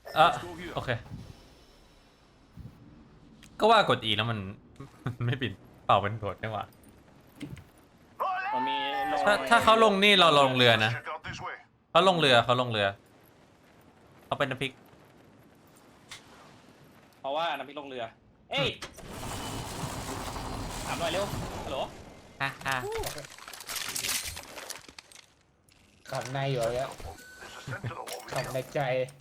อ่ะโอเคก็ว่ากด E แล้วมัน ไม่ปิดเป่าเป็นโดดได้หว่ามันมีลงถ้าเขาลงนี่เราลงเรือนะเขาลงเรือเขาเป็นน้ำพริกเพราะว่าน้ำพริกลงเรือเอ้ยถามหน่อยเร็วฮัลโหลฮ่าฮ่าขับในอยู่แล้วขับในใจ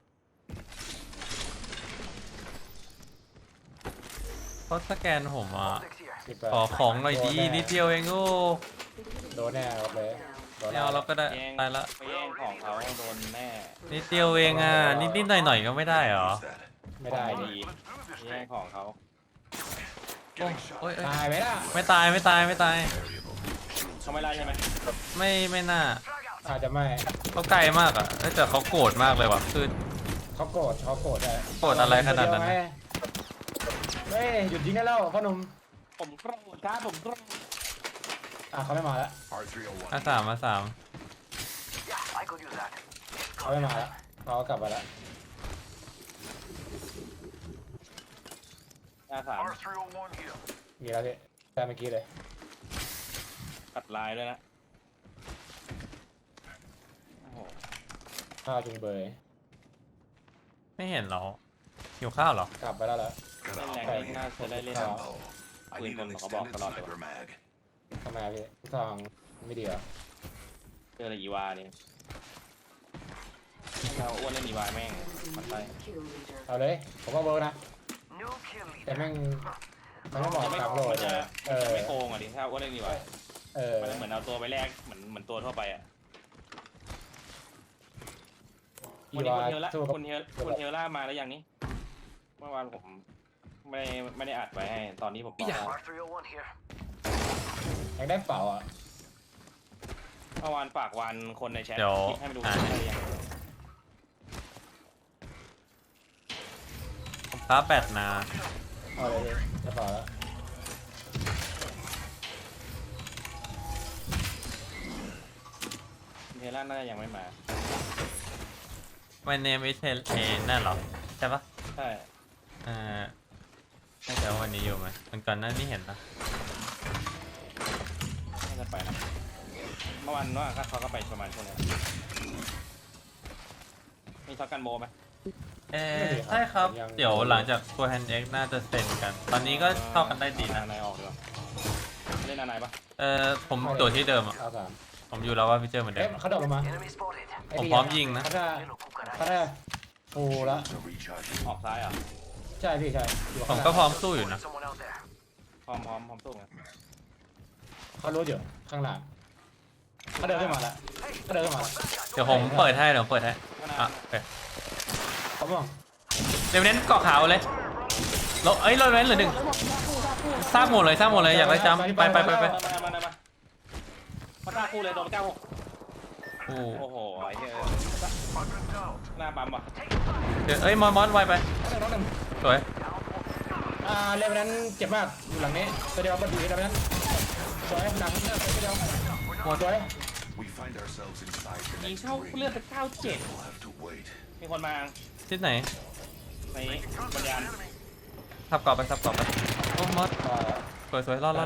เขาสแกนผมอ่ะสิบขอของหน่อยดีนิดเดียวเองโอ้โดนแน่ครับเลยโดนไม่เอาเราก็ได้แย่งตายละไปแย่งของเขาโดนแน่นิดเดียวเองอ่ะนิดหน่อยก็ไม่ได้เหรอไม่ได้ของดิดีแย่งของเขาโอ้ยเอ้ยตายไหมล่ะไม่ตายเขาไม่ไล่ใช่ไหมไม่น่าอาจจะไม่เขาไกลมากอ่ะแต่เขาโกรธมากเลยว่ะคือเขาโกรธเลยโกรธอะไรขนาดนั้นเฮ้ยหยุดยิงได้แล้วพ่อหนุ่มผมกรโดดครับผมกรโดดเขาไม่มาแล้วมาสามเขาไม่มาแล้วเขากลับมาแล้วหน้าสามมีแล้วพี่แต่เมื่อกี้เลยตัดลายด้วยนะโอ้โหข้าวจุงเบยไม่เห็นเหรอหิวข้าวเหรอกลับไปแล้วเหรอเล่นแรงนี่น่าจะได้เล่นปืนคนเขาบอกตลอดเลยว่าทำไมพี่ทองไม่ดีเหรอเจออะไรอีวาเนี่ยเราอ้วนเล่นอีวาแม่งมันไปเอาเลยผมว่าเวิร์กนะแต่แม่งมันไม่เหมาะจะไม่กับโหลดมันจะเออไม่โกงอ่ะดิถ้าอ้วนเล่นอีวาเออมันเหมือนเอาตัวไปแลกเหมือนตัวทั่วไปอ่ะอีวันนี้วาคุณเทลล่าสู้กับคุณเทลล่ามาแล้วยังนี่เมื่อวานผมไม่ได้อัดไว้ให้ตอนนี้ผมบอกว่ายังได้เปล่าอ่ะเมื่อวานฝากวันคนในแชทเดี๋ยวให้มาดูได้ยังผมค้าแบตนะเอาเลยพี่ได้เปล่าแล้วคุณเทลล่าน่าจะยังไม่มา My name is นั่นเหรอใช่ปะใช่น่าจะวันนี้อยู่ไหมมันก่อนหน้านี้เห็นนะน่าจะไปนะเมื่อวานว่าเขาก็ไปประมาณช่วงนี้มีช็อตกันโบไหมใช่ครับเดี๋ยวหลังจากตัวแฮนด์เอ็กน่าจะเซ็นกัน ตอนนี้ก็เข้ากันได้ดีนะนายออกดีกว่าเล่นนายปะผมตัวที่เดิมอ่ะเอาสามผมอยู่แล้วว่าพี่เจอเหมือนเดิเอ๊ะมเขาโดดลงมาผมพร้อมยิงนะเขาได้ฟูแล้วออกซ้ายอ่ะใช่พี่ใช่อยู่ผมข้างหก็น้าพร้อมสู้อยู่นะพร้อมสู้ไงเขารู้อยู่ข้างหลังเขาเดินขึ้นมาแล้วเขาเดินขึ้นมาแล้วเดี๋ยวผมเปิดให้อ่ะโอเคเขามองเดี๋ยวเน้นเกาะขาวเลยเราเน้นเหลือหนึ่งสร้างหมดเลยอยากได้จำไปมาฆ่าคู่เลยโดน96 โอ้โอ้โหไอ้เหี้ยหน้าปั๊มว่ะเดี๋ยวมอนไวไปน้องหนึ่งสวยเรื่องนั้นเจ็บมากอยู่หลังนี้ตัวเดียวก็ดีแล้วนั้นสวยหนังตัวเดียวหัวสวยยิงเข้าเลือดไป97มีคนมาที่ไหนในบรรยานทับกรอบไปโอ้มอสสวยรอด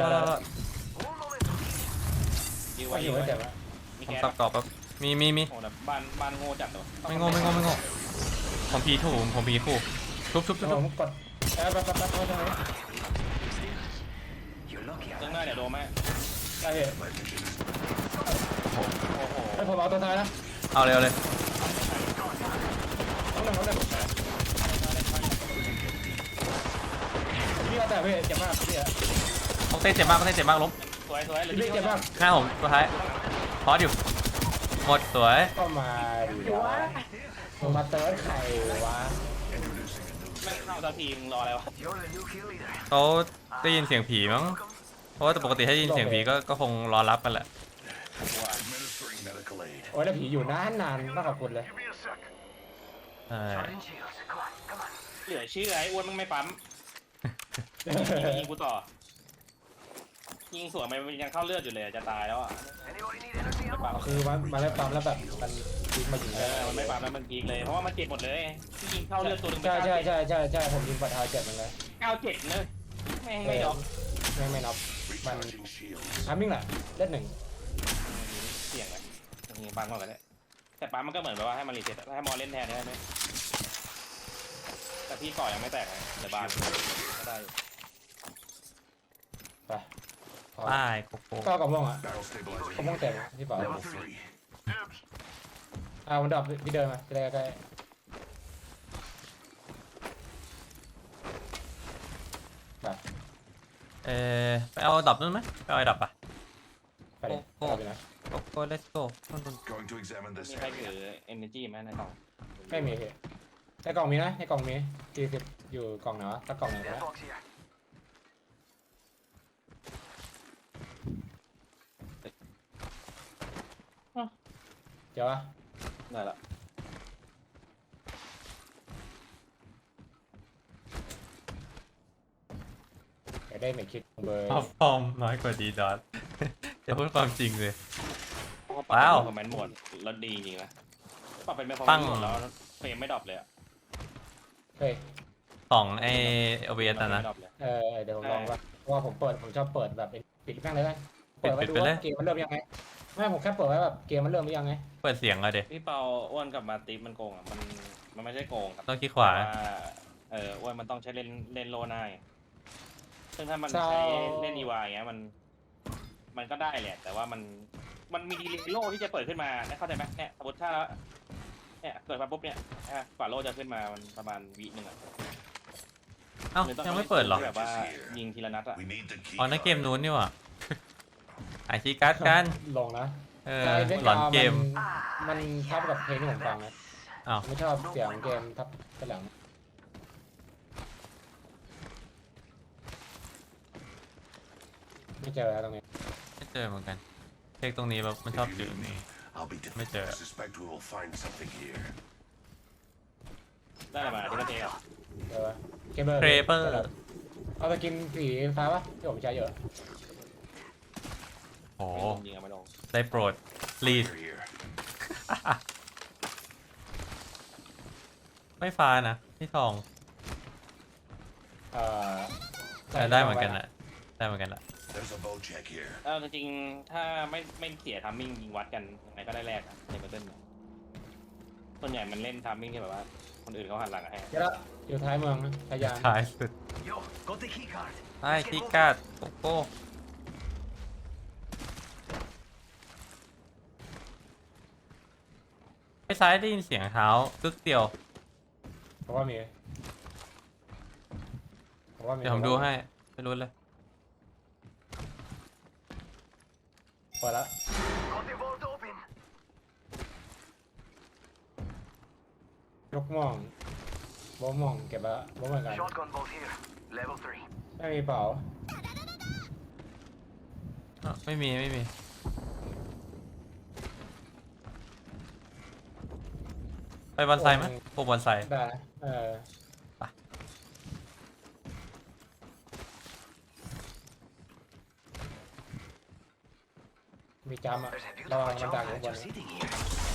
ยิงก็ไว้อยิยู่งไม่ไว้เจ็บนะมีผมแก๊สทับกรอบแบบมีโอ้แต่บ้านโง่จัดตัวไม่โง่ผมผีถูกผมผีคู่ทุบผมกดแป๊บตรงนี้เรื่องหน้าเดี๋ยวโดนไหมได้พี่โอ้โหให้ผมเอาตัวท้ายนะเอาเลยน้องหนึ่งพี่เอาแต่พี่เจ็บมากพี่อะต้องเต้นเจ็บมากล้มสวยหรือพี่เจ็บมากหน้าผมตัวท้ายพอดอยู่หมดสวยก็มาดีวะมาเติร์ดไข่วะไม่เข้าตัวทีมรออะไรวะเขาได้ยินเสียงผีมั้งเพราะว่าแต่ปกติถ้าได้ยินเสียงผีก็คงรอรับกันแหละโอ้ยแล้วผีอยู่นานต้องขอบคุณเลยใช่เหลือชื่อไอ้อ้วนมึงไม่ปั๊มยิงกูต่อยิงสวนมันยังเข้าเลือดอยู่เลยจะตายแล้วอ่ะคือมันได้ปั๊มแล้วแบบมันดีพีคมายิงได้มันไม่ปั๊มแล้วมันพีคเลยเพราะว่ามันเจ็บหมดเลยที่ยิงเข้าเลือดตัวหนึงใช่ผมยิงปัดเท้าเจ็บมันเลย 97เลยแม่งไม่ดอกไม่น็อกมัน Recharging shields. ทามมิ่งแหละเลือดหนึ่งเสี่ยงเลยยิงปั๊มก่อนก็ได้แต่ปั๊มมันก็เหมือนแบบว่าให้มันรีเซ็ตให้มอเล่นแทนได้ไหมแต่พี่ก่อยังไม่แตกเลยเดี๋ยวบานก็ได้ไปป้ายโกโก้ก็กระม่วงอ่ะ Barrel กระม่วง stabilizing. เต็มพี่เปล่า Level 3. มันดรอปพี่เดินมาใกล้ใกล้ไปไปเอาดับนู่นไหมไปเอาไอ้ดับปะไปเลยไปนะโกโก้ let's go นู่น Going to examine มี this ใครถือ area. energy ไหมในกล่องไม่มีพี่ในกล่องมีนะในกล่องมี40อยู่กล่องไหนวะสักกล่องไหนก็ได้เดี๋ยววะได้ละอยากได้ไม่คิดเบอร์ท็อปฟอร์มน้อยกว่าดีดอท จะพูดความจริงเลยปรับว้าวเป็นคอมเมนต์โหมดแล้วดีจริงนะปรับเป็นคอมตั้เมนงต์โหมดแล้วเฟรมไม่ดรอปเลยอะเฮ้ยของไอโอเบสนะไม่ดรอปเลยเดี๋ยวผมลองว่าเพราะว่าผมชอบเปิดแบบปิดแม่งเลยนะเปิดไว้ดูปิดไปเลยว่าเกมมันเริ่มยังไงไม่ผมแค่เปิดไว้แบบเกมมันเริ่มหรือยังไงเปิดเสียงอะเด็พี่เปาอ้วนกับมาติฟมันโกงอ่ะมันไม่ใช่โกงครับต้องคลิกขวาแต่ว่าอ้วนมันต้องใช้เล่นโลหน้าไงซึ่งถ้ามันใช้เล่นอีวายอย่างเงี้ยมันก็ได้แหละแต่ว่ามันมีดีเลย์โลที่จะเปิดขึ้นมาเข้าใจไหมเนี่ยสมมติถ้าเนี่ยเกิดมาปุ๊บเนี่ยกว่าโลจะขึ้นมามันประมาณวิหนึ่งอ่ะเอ้ายังไม่เปิดเหรอแบบว่ายิงทีละนัดอ่ะ We need the key. อ๋อในเกมนู้นนี่หว่าไอคีย์การ์ดกันลงนะหลอนเกมมันทับกับเพลงที่ผมฟังนะอ้าวไม่ชอบเสียงเกมทับกระหลังไม่เจอแล้วตรงนี้ไม่เจอเหมือนกันเช็คตรงนี้แบบมันชอบ If จื you ด need me, I'll be Mấy difficult. chợ. I suspect we will find something here. ได้อะไรมาที่ประเทศอ่ะเออเกมเบอร์เครเปอร์เอาตะกินสีฟ้าปะที่ผมใช้เยอะโอ้ไม่ลงยิงอะไม่ลงได้โปรด please Here, here. ไม่ฟ้านะที่ทองเอ่อได้เหมือนกันนะได้เหมือนกันละ There's a bow check here. จริงๆถ้าไม่เสียทัมมิ่งยิงวัดกันยังไงก็ได้แรกอะในเบอร์เติ้ลส่วนใหญ่มันเล่นทัมมิ่งที่แบบว่าคนอื่นเขาหันหลังให้เดี๋ยวละอยู่ท้ายเมืองนะพยายามท้ายสุด Yo, got the key card. ไอ้คีย์การ์ดโกโก้ไปซ้ายได้ยินเสียงเท้ากึกเดียวเพราะว่ามีเดี๋ยวผมดูให้ไม่รู้เลยเปิดละ Got the vault open. ยกม่องโบะม่องเก็บละโบะเหมือนกัน Shotgun bolt here. Level 3. ไม่มีเปล่าไม่มีไม่มี ไปบอนไซไหมโปรบอนไซได้นะไปมีจำอ่ะ There's a ระวัง beautiful มันดังอยู่ job ข้างบน just sitting here.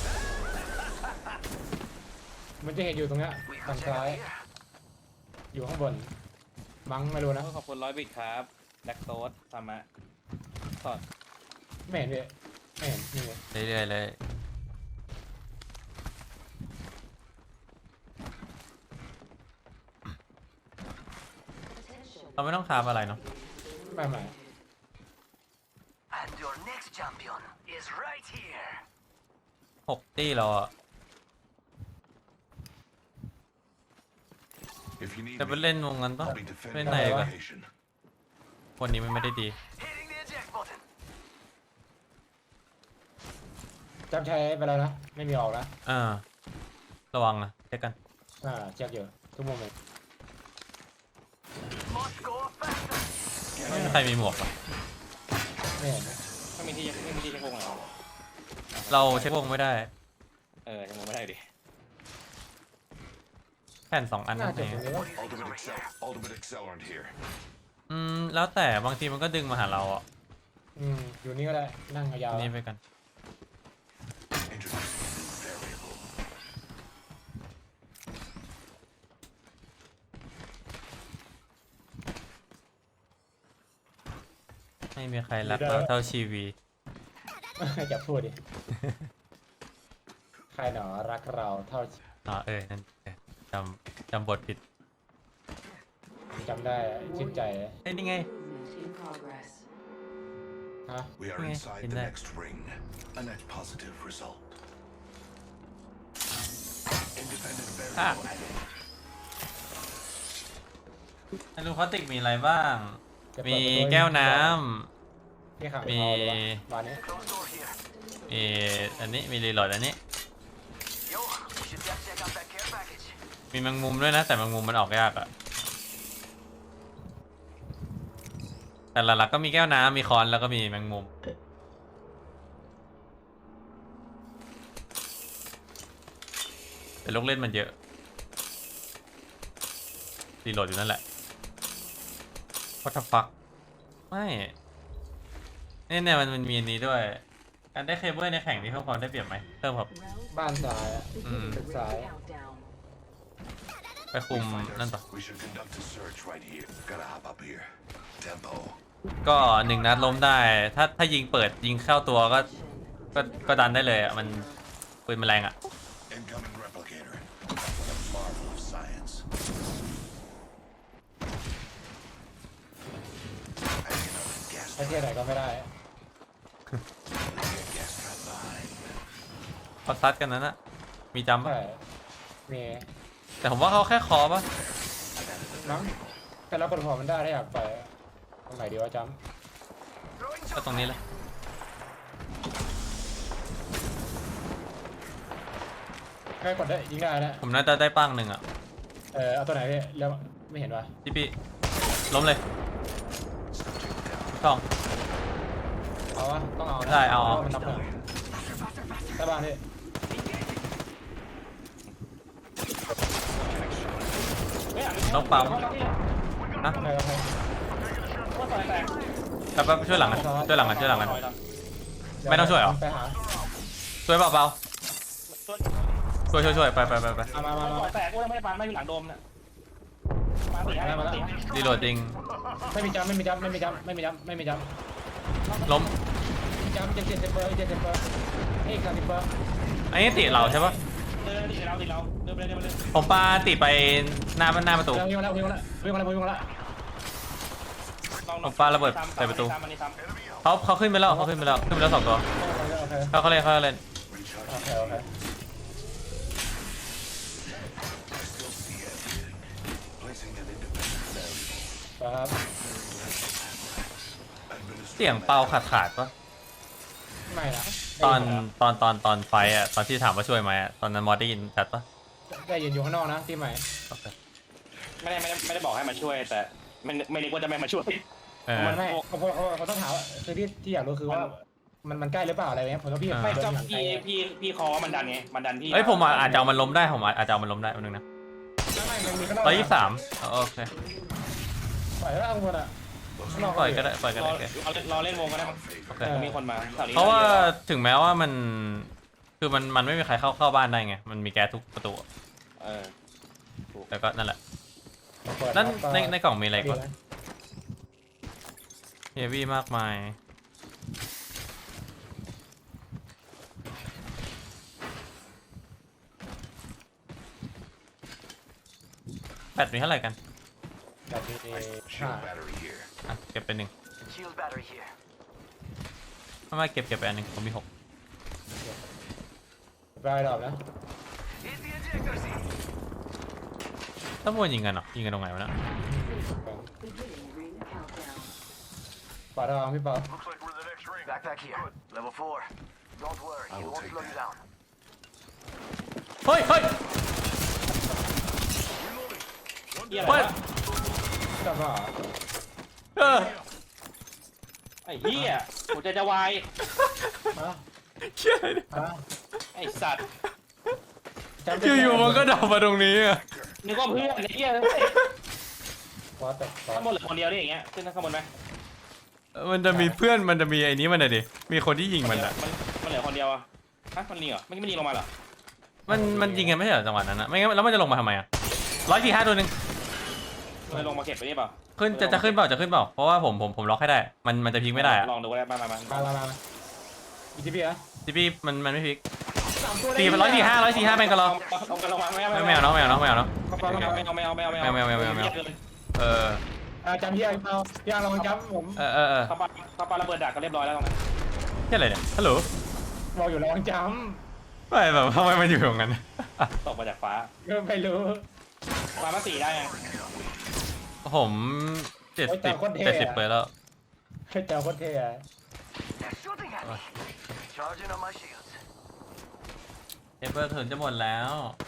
มันจะเห็นอยู่ตรงเนี้ย We ทาง could ซ้าย check here. อยู่ข้างบนมั้งไม่รู้นะขอบคุณ100 บิตครับแบ็กโซดทำมาสอดไม่เห็นพี่ไม่เห็นนี่ไงเรื่อยๆเลย เราไม่ต้องคาบอะไรเนาะไม่ And your next champion is right here. 6 ตี้เราอะ If you need จะไป me, เล่นวงนั้นปะ I'll be เล่น defending ไหน the ปะ location. คนนี้มันไม่ได้ดี Hitting the eject button. จำใช้ไปแล้วนะไม่มีออกนะระวังนะเช็คกันเช็คอยู่ทุกโมเมนต์ Must go faster. ไม่มีใครมีหมวกปะไม่เห็นนะไม่มีที่เช็ควงเหรอเราเช็ควงไม่ได้เช็ควงไม่ได้ดิแผ่น2 อันน่านั่นจะเองตรงนี้วะ Ultimate accelerant here. แล้วแต่บางทีมันก็ดึงมาหาเราอ่ะอยู่นี่ก็ได้นั่งยาวๆนี่ไปกัน Introduce new variable. ไม่มีใครรักเราเท่าชีวีอย่าพูดดิ ใครหนอรักเราเท่าอ๋อนั่นจำบทผิดจำได้ชื่นใจเอ้ยนี่ไง In progress. ฮะ We are Okay, inside in the there. next ring. A net positive result. Independent Ah. variable added. ไอรูพลาสติกมีอะไรบ้างจะเปิดมีประตูให้แก้วน้พี่ขังมีเอาเลยวะบ้านนี้ Close door here. ำมีอันนี้มีรีโหลดอันนี้ Yo, we should just check out that care package. มีแมงมุมด้วยนะ แต่แมงมุมมันออกยากอะแต่หลักๆก็มีแก้วน้ำมีค้อนแล้วก็มีแมงมุมแต่ลูกเล่นมันเยอะรีโหลดอยู่นั่นแหละ What the fuck ไม่เนี่ยมันมีอันนี้ด้วย การได้เคเบิลในแข่งนี้เพิ่มความได้เปรียบไหมเพิ่มครับ Round บ้านซ้ายอะ beginning Mm. ring Sorry. countdown. ไปคุมนั่นต่อ We should conduct a search right here. Gotta hop up here. Tempo. ก็1 นัดล้มได้ ถ้ายิงเปิดยิงเข้าตัวก็ดันได้เลยอ่ะ มันปืนมันแรงอ่ะ Incoming replicator. What a marvel of science. Hanging out in gas ไอ้เที่ยไหนก็ไม่ได้ gas trap behind. เขาซัดกันนั้นอะมีจำปะใช่มีแต่ผมว่าเขาแค่คอปะมั้งแต่เรากดหัวมันได้ถ้าอยากไปตรงไหนดีวะจก็ตรงนี้เลยำแค่กดได้ยิงได้นะผมน่าจะได้ปั้งหนึ่งอ่ะเอาตัวไหนพี่แล้วไม่เห็นวะพี่ล้มเลยช่องเอาวะต้องเอานะได้เอามันนับหนึ่งใต้บ้านพี่ต้องปั๊มนะโอเคโอเคแป๊บช่วยหลังกันช่วยหลังกันช่วยหลังกัน ไม่ต้องช่วยเหรอไปหาช่วยเปล่าช่วยไปมาแต่กูยังไม่ได้ปานไม่มีหลังโดมเนี่ยมาตีให้มาตีให้รีโหลดจริงไม่มีจำไม่มีจำไม่มีจำไม่มีจำไม่มีจำล้มมีจำเจ็ดเซนเปอร์เจ็ดเซนเปอร์เอก30เปอร์อันนี้ติเราใช่ปะตีเราเดินไปเลยผมปาติไปหน้าประตูวิ่งมาแล้วผมปาระเบิดใส่ประตูเขาขึ้นไปแล้วขึ้นไปแล้ว2 ตัวโอเคเขาเล่นโอเค Placing an independent variable. ครับเสียงเป่าขาดปะไม่นะตอนไฟอ่ะตอนที่ถามว่าช่วยไหมอ่ะตอนนั้นมอสได้ยินชัดปะได้ยินอยู่ข้างนอกนะที่ใหม่โอเคไม่ได้บอกให้มาช่วยแต่ไม่นึกว่าจะไม่มาช่วยมันไม่เขาต้องถามคือที่อยากรู้คือว่ามันใกล้หรือเปล่าอะไรเงี้ยผมต้องพี่ไม่เดิก็นหลังไกลพี่คอมันดันไงมันดันพี่เอ้ยผมอาจจะเอามันล้มได้ผมอาจจะเอามันล้มได้แป๊บนึงนะไม่มันมีข้างนอก 123โอเคปล่อยแล้วเอาคนอ่ะข้างนอกปล่อยก็ได้โอเครอเล่นวงก็ได้โอเคมีคนมาแถวนี้เพราะว่าถึงแม้ว่ามันคือมันไม่มีใครเข้าบ้านได้ไงมันมีแก๊สทุกประตู แต่ก็นั่นแหละนั่นในกล่องมีอะไรก่อนเฮฟวี่มากมายแบตมีเท่าไหร่กันแบบนี้ Shield battery here. อ่ะเก็บไป1 Shield battery here. ไม่เก็บไปอันหนึ่งผมมี6 รายดอกนะ Hit the ejector seat. ถ้ามัวยิงกันเหรอยิงกันตรงไหนวะเนะ Beginning ring countdown. ปาดองพี่ป๊อป Looks like we're the next ring. Backpack here. Level 4. Don't worry, I it will won't take slow you that. down. เฮ้ยเฮียอะไรเฮ้ยวะจับว่าไอ้เฮียหัวใจจะวายฮะเชี่ยอะไรเนี่ยฮะไอ้สัตว์อยู่ๆมันก็ดับมาตรงนี้อ่ะนึกว่าเพื่อนไอ้เฮียพอแต่ข้างบนเหลือคนเดียวได้อย่างเงี้ยขึ้นข้างบนไหมมันจะมีเพื่อนมันจะมีไอ้นี้มันอะดิมีคนที่ยิงมันอะมันเหลือคนเดียวอะฮะมันยิงเหรอไม่ยิงลงมาเหรอมันยิงกันไม่ใช่เหรอจังหวะนั้นอะไม่งั้นแล้วมันจะลงมาทำไมอะ145ตัวหนึ่งมันลงมาเก็บไปนี่เปล่าขึ้นจะขึ้นเปล่าจะขึ้นเปล่าเพราะว่าผมล็อกให้ได้มันจะพลิกไม่ได้อะลองดูก็ได้มามาอีทีพีอ่ะที่พี่มันไม่พลิก 3 ตัวเลย 4 เป็น145เป็นกระลองเอากันระวังไม่เอาเนาะไม่เอาเออจำพี่เอาพี่ลองจำผมเขาปาระเบิดดักก็เรียบร้อยแล้วตรงนั้นแค่อะไรเนี่ยฮัลโหลบอกอยู่ลองจไม่แบบทำไมมันอยู่ตรงนั้นตกมาจากฟ้าำไม่รู้ฟ้ามา4ได้ไงผม70เลยแล้วเจ้าโคตรเท่ They're shooting at me. Charging on my shields. เอเบอร์ถึงจะหมดแล้ว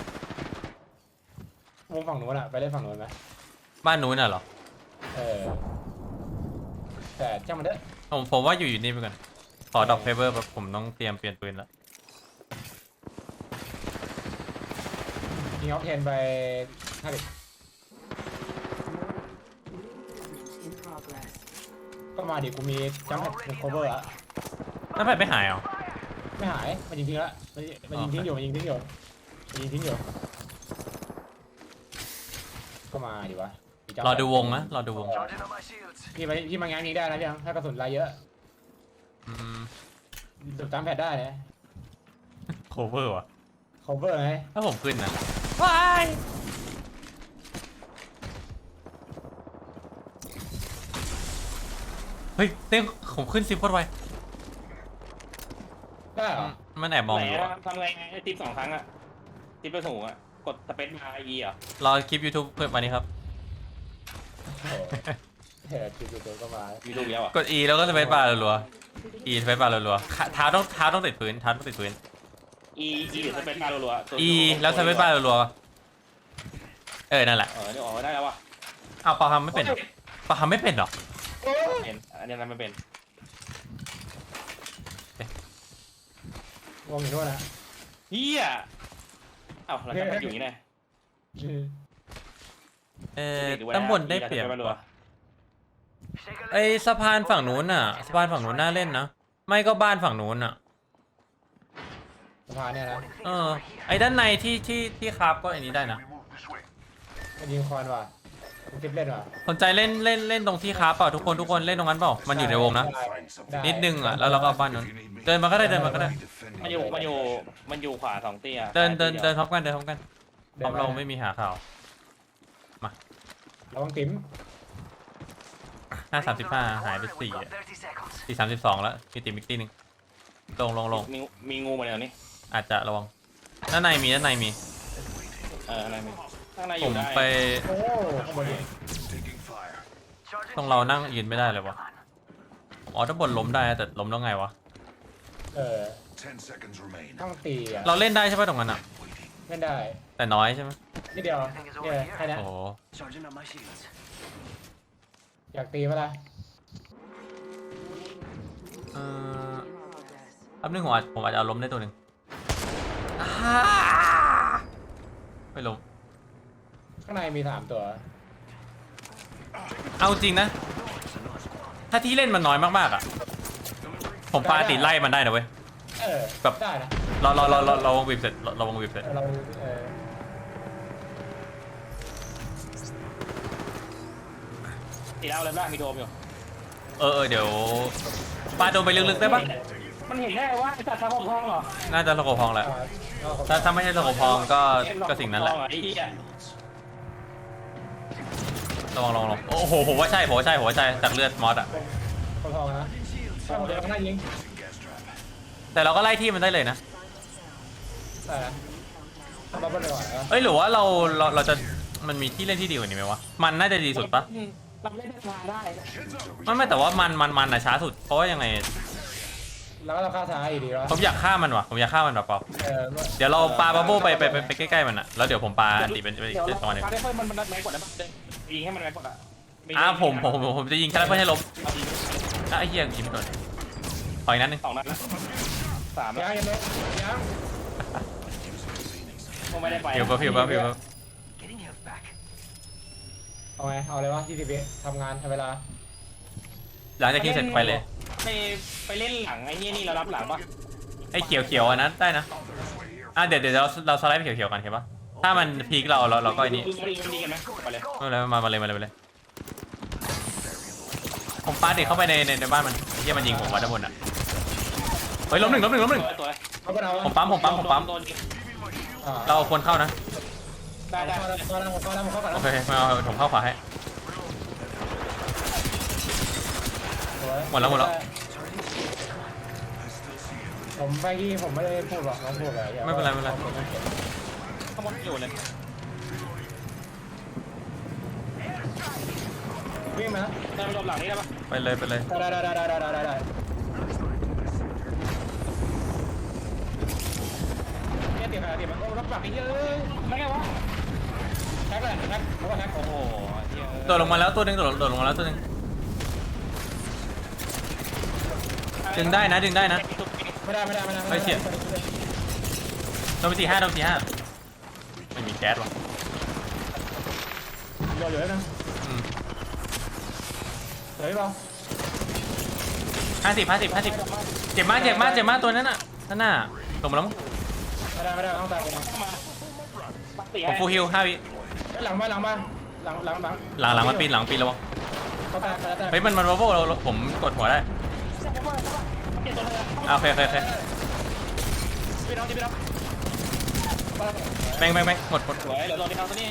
วงฝั่งนู้นอ่ะไปเล่นฝั่งนู้นไหมบ้านนู้นน่ะเหรอแต่ช่างมันเถอะผมว่าอยู่นี่ไปก่อนขอดอกเพเบอร์แบบผมต้องเตรียมเปลี่ยนปืนแล้วยิงออฟเทนไป50 In progress. ก็มาดิกูมีจัมป์แพดเป็นโคเวอร์อะน้ำแผ่นไม่หายเหรอไม่หายมันยิงทิ้งละมันยิงทิ้งอยู่ก็มาดิวะรอดูวงนะรอดูวง Charging on my shields. พี่มางานนี้ได้นะพี่ถ้ากระสุนลายเยอะอืมดูจัมป์แพดได้นะโคเวอร์ว่ะโคเวอร์ไงถ้าผมขึ้นนะว้ายเฮ้ยเต้งผมขึ้นซิปโคตรไวได้เหรอมันแอบมองไหนอยู่อะทำไงทิป2 ครั้งอะทิปไปสูงอะกดสเปซมาEอ่ะรอคลิป YouTube เพื่อนวันนี้ครับเฮ้ยคิวตัวก็มามีรูปแล้วอ่ะกด E แล้วก็สเปซบาร์รัวๆ E สเปซบาร์รัวๆเท้าต้องติดพื้นเท้าต้องติดพื้น E หรือสเปซมารัวๆ E แล้วสเปซบาร์รัวๆนั่นแหละเดี๋ยวออกได้แล้วว่ะอ้าวปาทำไม่เป็นเหรอปาทำไม่เป็นเหรอเป็นอันนี้มันเป็นวงอยู่นู่นนะเฮียเอ้าเราจะมาอยู่อย่างนี้ไงตำบลได้เปรียบรัว Shake a ไอสะพานฝั่งนู้นน่ะสะพานฝั่งนู้นน่าเล่นนะไม่ก็บ้านฝั่งนู้นน่ะสะพานเนี่ยนะไอด้านในที่คราฟก็อันนี้ได้นะ We move this way. มันยิงคอนว่ะมันทิปเล่นว่ะสนใจเล่นตรงที่คราฟเปล่าทุกคนเล่นตรงนั้นเปล่ามันอยู่ในวงนะ Find something. นิดนึงอ่ะแล้วเราก็เอาบ้านนู้นเดินมาก็ได้ Defending มันอยู่ขวา2 เตี้ยเดินพร้อมกันพร้อมเราไม่มีหาข่าวระวังติ๋ม 535หายไป We've got 30 seconds. 4 32แล้วมีติมิกตี้นึงลงมีงูมาแล้วนี่อาจจะระวังด้านในมีอะไรมีข้างในอผยู่มได้ไปโอ้ข้างบนนี่ taking fire. Charging ตรงเรานั่งยืนไม่ได้เลยวะอ๋อด้านบนล้มได้แต่ล้มแล้วไงวะ 10 seconds remain. ต้องตีอ่ะเราเล่นได้ใช่ป่ะตรงนั้นอ่ะ Waiting. เล่นได้แต่น้อยใช่ไหมนิดเดียวเนี่ยแค่นี้โอ้โห Charging on my shields. อยากตีไหมล่ะ In progress. แป๊บนึงผมอาจจะเอาล้มได้ตัวหนึ่งไม่ล้มข้างในมี3 ตัวเอาจริงนะ ถ้าที่เล่นมันน้อยมากๆอ่ะ ผมปาติไล่มันได้นะเว้ย แบบได้นะเราวงบีบเสร็จเราวงบีบเสร็จเราตีแล้วเลยบ้างมีโดมอยู่เดี๋ยวปาโดนไปลึกๆได้ปะมันเห็นได้ว่าไอ้สัตว์ทางห้องเหรอน่าจะสโคปพองแหละถ้าไม่ใช่สโคปพองก็สิ่งนั้นแหละไอ้เหี้ยระวังโอ้โหผมว่าใช่จากเลือดมอสอ่ะคนทองนะถ้าผมเดินข้างหน้ายิง Gas trap. แต่เราก็ไล่ที่มันได้เลยนะได้นะทำมาบนเลยก่อนนะเอ้ยหรือว่าเราจะมันมีที่เล่นที่ดีกว่านี้ไหมวะมันน่าจะดีสุดปะเราเล่นได้ไม่แต่ว่ามันอะช้าสุดเพราะว่ายังไงแล้วก็เราฆ่าซ้ายอีกดีวะผมอยากฆ่ามันว่ะผมอยากฆ่ามันแบบเปล่าเดี๋ยวเราปาบับเบิ้ลไปใกล้ๆมันอะแล้วเดี๋ยวผมปาอันติเป็นอีกประมาณนึงปาได้เพิ่มมันแม็กกว่าได้ปะยิงให้มันแม็กกว่าอ่ะผมจะยิงแค่เพื่อให้ล้มไอ้เหี้ยยิงไม่โดนขออีกนัดนึง 2 นัดแล้ว3แล้วยังยังคงไม่ได้ไปผิว Getting health back. เอาไงเอาเลยวะ20 วิทำงานทำเวลาหลังจากที่เสร็จไปเลยไปเล่นหลังไอ้นี่เรารับหลังปะไอ้เขียวอันนั้นได้นะเดี๋ยวเราสไลด์ไปเขียวกันเห็นปะถ้ามันพีคเราก็ไอ้นี่ดีกันไหมไปเลยไม่เป็นไรมาเลยปาดิเข้าไปในบ้านมันเฮียมันยิงผมมาด้านบนอ่ะเฮ้ยล้มหนึ่งตัวเขาก็เอาผมปั๊มโดนยิงเราเอาคนเข้านะได้เข้าแล้วเข้าก่อนโอเคมาเอาผมเข้าขวาให้หมดแล้วผมไปที่ผมไม่ได้พูดหรอกน้องพูดอะไรไม่เป็นไรข้างบนอยู่เลยวิ่งมาได้ไปหลบหลังนี้ได้ปะไปเลยได้เนี่ยเตียมันโอ้รับปากไอ้เยอะไม่ไงวะแฮกเลยแฮกเขาว่าแฮกโอ้โหโดดลงมาแล้วตัวหนึงโดดลงมาแล้วตัวหนึงดึงได้นะไม่ได้โดนไป45ไม่มีแก๊สว่ะรออยู่แล้วนะอืมเฮ้ยเปล่า 50เจ็บมากตัวนั้นน่ะนั่นน่ะลงมาแล้วมั้งไม่ได้ต้องตายผมผมฟูลฮิล5 วิหลังมาหลังมันปีนระวังเขาตายเฮ้ยมันวอลโว่ผมกดหัวได้โอเคพี่น้องแม่งหมดสวยเดี๋ยวโดนที่เขาตัวนี้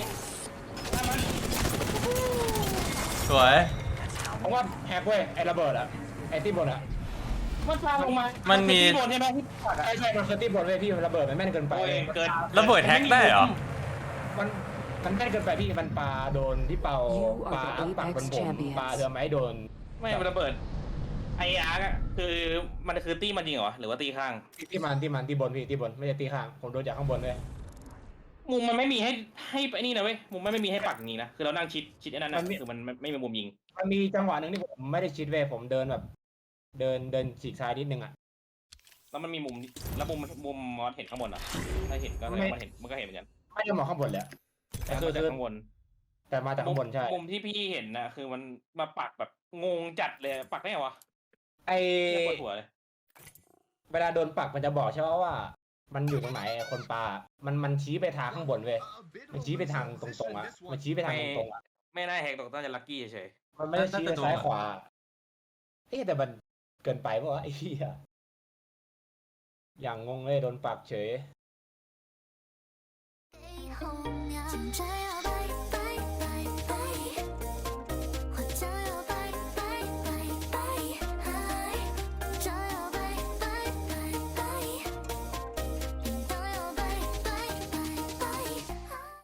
สวยผมว่าแฮกเว้ยไอ้ระเบิดอะไอ้ที่บนอะมันพาลงมามันมีที่บนใช่ไหมที่ปักอะใช่มันคือที่บนเว้ยพี่ระเบิดมันแม่นเกินไปโอ้ยเกินระเบิดแฮกได้เหรอมันแม่นเกินไปพี่มันปลาโดนที่เป่าปลาปักบนผมปลาเรือไม้โดนไม่มันระเบิดไอ้อาร์กอะคือมันคือตี้มันจริงเหรอหรือว่าตีข้างที่มันที่บนพี่ที่บนไม่ใช่ตีข้างผมโดนจากข้างบนเลยมุมมันไม่มีให้ไอ้นี่นะเว้ยมุมมันไม่มีให้ปักอย่างนี้นะคือเรานั่งชิดไอ้นั่นนะคือมันไม่มีมุมยิงมันมีจังหวะหนึ่งที่ผมไม่ได้ชิดเว้ยผมเดินแบบ เดินฉีกซ้ายนิดนึงอ่ะแล้วมันมีมุมแล้วมุมมอสเห็นข้างบนอ่ะถ้าเห็นก็มันก็เห็นเหมือนกันไม่ได้มองข้างบนเลยแต่คือจากข้างบนแต่มาจากข้างบนใช่มุมที่พี่เห็นนะคือมันมาปักแบบงงจัดเลยปักได้ไงวะไอปวดหัวเลยเวลาโดนปักมันจะบอกใช่ไหมว่า มันอยู่ตรงไหนคนปลามันชี้ไปทางข้างบนเว้ยมันชี้ไปทางตรงๆอ่ะมันชี้ไปทางตรงๆอ่ะไม่น่าแหกตกต้นจะลัคกี้เฉยมันไม่ได้ชี้ไปซ้ายขวาแต่มันเกินไปเพราะว่าไอ้เหี้ยอย่างงงเลยโดนปักเฉย